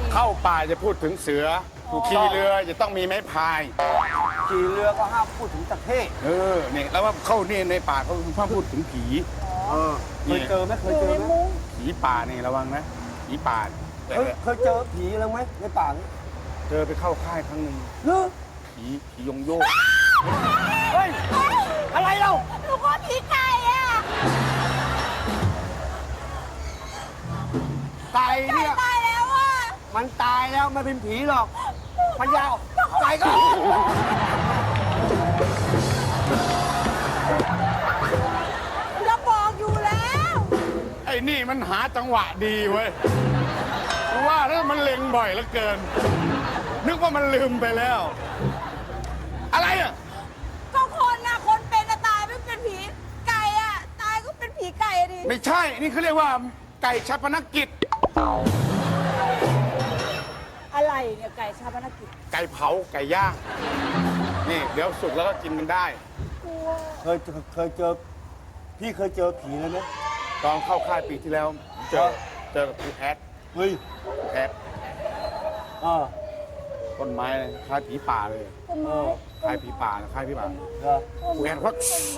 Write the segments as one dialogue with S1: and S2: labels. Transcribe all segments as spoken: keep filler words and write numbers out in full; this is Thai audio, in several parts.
S1: เข้าป่าจะพูดถึงเสือขี่เรือจะต้องมีไม้พาย
S2: ขี่เรือก็ห้ามพูดถึงตะเข้
S1: เออเนี่ยแล้วว่าเข้าเนี่ยในป่าเขาห้ามพูดถึงผี
S2: เออเคยเจอไหมเคยเจอไหม
S1: ผีป่านี่ระวังนะผีป่าแต่
S2: เคยเคยเจอผีแล้วไหมในป่านี้
S1: เจอไปเข้าค่ายครั้งหนึ่ง
S2: เนอะ
S1: ผีผียงโยก
S2: เฮ้ยอะไรเรา
S3: หนูก็ผีไก่อะ
S2: ไก่เนี่ย
S3: ตายแล้วอะ
S2: มันตายแล้วไม่เป็นผีหรอกมันยาวไก่ก็
S3: จะบอกอยู่แล้ว
S1: ไอ้นี่มันหาจังหวะดีเว้ยเพราะว่าถ้ามันเล็งบ่อยเหลือเกิน นึกว่ามันลืมไปแล้ว อะไรอ่ะ
S3: ก็คนนะคนเป็นอะตายไม่เป็นผีไก่อะตายก็เป็นผีไก่อะดิ
S1: ไม่ใช่ นี่เขาเรียกว่าไก่ชาปนกิจ
S3: อะไรเนี่ยไก่ชาปนกิจ
S1: ไก่เผาไก่ย่าง นี่เดี๋ยวสุกแล้วก็กินกันได้
S3: กลัว
S2: เคยเจอเคยเจอพี่เคยเจอผีเลยไหม
S1: ตอนเข้าค่ายปีที่แล้ว เจอเจอกับครูแอด
S2: เฮ้ย
S1: ครูแอด
S2: เออ
S1: ต้นไม้เลยคล้ายผีป่าเลย
S3: ต้น
S2: เอ
S3: ไม้
S2: อ
S1: คล้ายผีป่าคล้ายผีป่า
S2: เหรอ
S1: ครูแอดว่า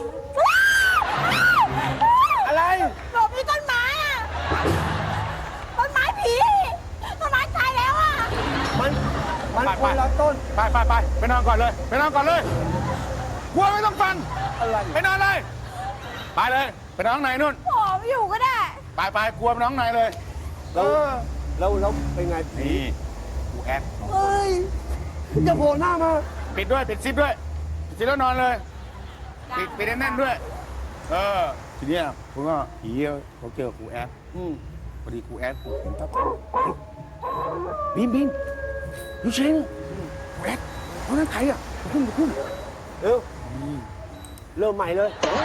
S2: อะไร
S3: หลบที่ต้นไม้อะต้นไม้ผีต้นไม้ตายแล้วอะ
S2: มันมันคนละต้น
S1: ไปไปไปไปนอนก่อนเลย ไปนอนก่อนเลยกลัวไม่ต้องฟัง
S2: อะไร
S1: ไปนอนเลย ไปเลย ไปนอนข้างในนู่น
S3: ผอมอยู่ก็ได้
S1: ไปไปกลัวไปนอนข้างในเลย
S2: แล้วแล้วแล้วเป็นไงผี
S1: นี่ครูแอด
S2: เฮ้ยอย่าโผล่หน้ามา
S1: ปิดด้วยปิดซิปด้วยปิดซิปแล้วนอนเลยปิดปิดแน่นๆด้วย เออทีเนี้ยผมก็ผีเขาเจอครูแอด
S2: อืม
S1: พอดีครูแอดผมเห็นปั๊บเฮ้ยบีมบีมยูเชนครูแอดเขานั่นใครอ่ะมาขึ้นมาขึ้น
S2: เร็วเริ่มใหม่เลย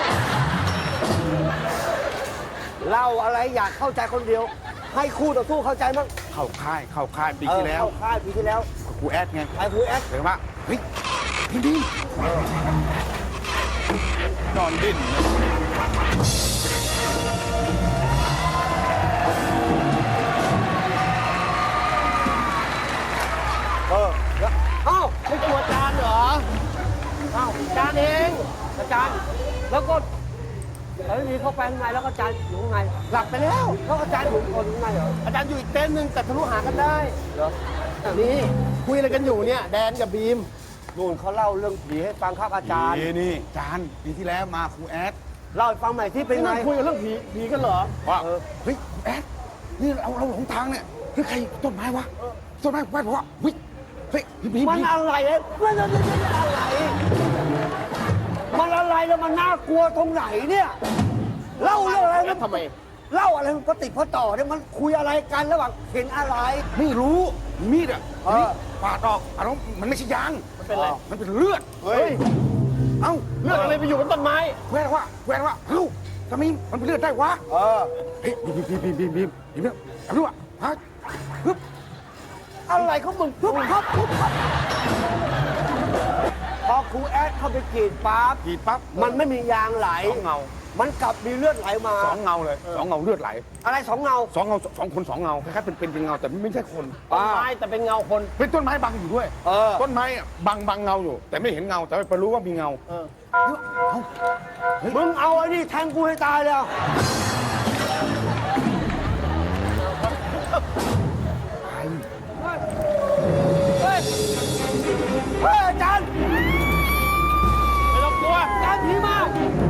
S2: เล่าอะไรอยากเข้าใจคนเดียว ให้คู่ต่อสู้เข้าใจมั้ง
S1: เข้าค่ายเข้าค่ายปี
S2: เออ
S1: ที่แล้ว
S2: เข้าค่ายปีที่แล้ว
S1: ครูแอดไง
S2: ไอ้ครูแอด
S1: เห็นว่าเฮ้ยบีมบีมนอนดิ้น
S2: เออแล้วเอ้าไม่กลัวอาจารย์เหรอเอ้าอาจารย์เองอาจารย์แล้วก็แล้วทีเข้าไปข้างในแล้วก็อาจารย์อยู่ข้างในหลับไปแล้วแล้วอาจารย์อยู่คนข้างในเหรอ
S4: อาจารย์อยู่อีกเต็นท์หนึ่งแต่ทะลุหากันได้
S2: เหรอ
S4: นี่คุยอะไรกันอยู่เนี่ย แดนกับบีม
S2: นู่นเขาเล่าเรื่องผีให้ฟังครับอาจารย์
S1: นี่นี่อาจารย์ปีที่แล้วมาครูแอด
S2: เล่าให้ฟังใหม่ที่เป็น
S4: นี่
S2: ไง
S4: นั่งคุยกันเรื่องผีผีกันเหรอ
S1: ว่า
S2: เออ
S1: เฮ้ยครูแอดนี่เราเราหลงทางเนี่ยเฮ้ยใครต้นไม้วะต้นไม้ไหว้เพราะว่าเฮ้ยเฮ้ยบีมบีม
S2: มันอะไรเนี่ยมันอะไรมันอะไรแล้วมันน่ากลัวตรงไหนเนี่ยเล่าเรื่องอะไรมัน
S4: ทำไม
S2: เล่าอะไรมันก็ติดพอต่อเนี่ยมันคุยอะไรกันระหว่างเห็นอะไร
S1: ไม่รู้มีดอ่ะ
S2: เออ
S1: ปาดออกอ่ะน้องมันไม่ใช่ยาง
S4: มันเป็นอะไร
S1: มันเป็นเลือด
S2: เฮ้ย
S1: เอ้า
S4: เรื่องอะไรไปอยู่บนต้นไม้
S1: แหวนว่าแหวนว่าเอ้าทำไมมันเป็นเลือดได้วะ
S2: เออ
S1: เฮ้ยบีมบีมบีมบีมบีมบีมบีมเอาดูอ่ะฮะฮึบ
S2: อะไรเขามึงปุ๊บปั๊บปุ๊บปั๊บพอครูแอดเข้าไปกรีดปั๊บ
S1: กรีดปั๊บ
S2: มันไม่มียางไหล
S1: สองเงา
S2: มันกลับมีเลือดไหลมา
S1: สองเงาเลยสองเงาเลือดไหล
S2: อะไรสองเงา
S1: สองเงาสองคนสองเงาคล้ายๆเป็นเป็นเป็นเงาแต่ไม่ใช่คน
S4: ต้นไม้แต่เป็นเงาคน
S1: เป็นต้นไม้บังอยู่ด้วย
S2: เออ
S1: ต้นไม้อะบังบังเงาอยู่ แต่ไม่เห็นเงาแต่ไปรู้ว่ามีเงา
S4: เออ
S1: เอ้า
S2: มึงเอาไอ้นี่แทงกูให้ตายเลยเอา
S1: ไป
S2: เฮ้ยเฮ้ยอาจารย์
S4: ไม่ต้องกลัว
S2: อาจารย์ผีมา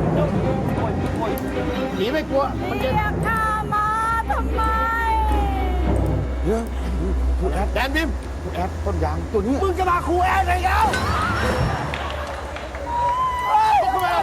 S4: ผีไม่กลัว มันจะ
S3: เรียกข้ามาทำไม
S1: เดี๋ยวครูแอด
S4: แดนบีม
S1: ครูแอดต้นยางตัวนี้
S2: มึงจะมาครูแอดอะไรแล้ว
S4: ตกขึ้นมา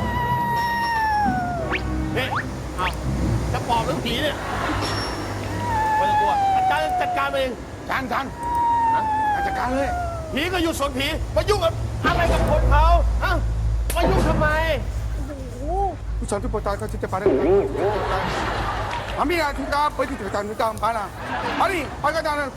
S4: นี่เอาจะปอบหรือผีเนี่ยไม่ต้องกลัว อาจารย์จัดการเอง
S1: จานจานฮะจัดการเลย
S4: ผีก็อยู่ส่วนผีมายุ่งกับอะไรกับคนเขาฮะมายุ่งทำไม
S1: ผู้ชายที่ปวดตายเขาจะไปได้ไหมอามีอะไรที่กาไปที่ถึงจานจานไปนะมาดิไปกันจาน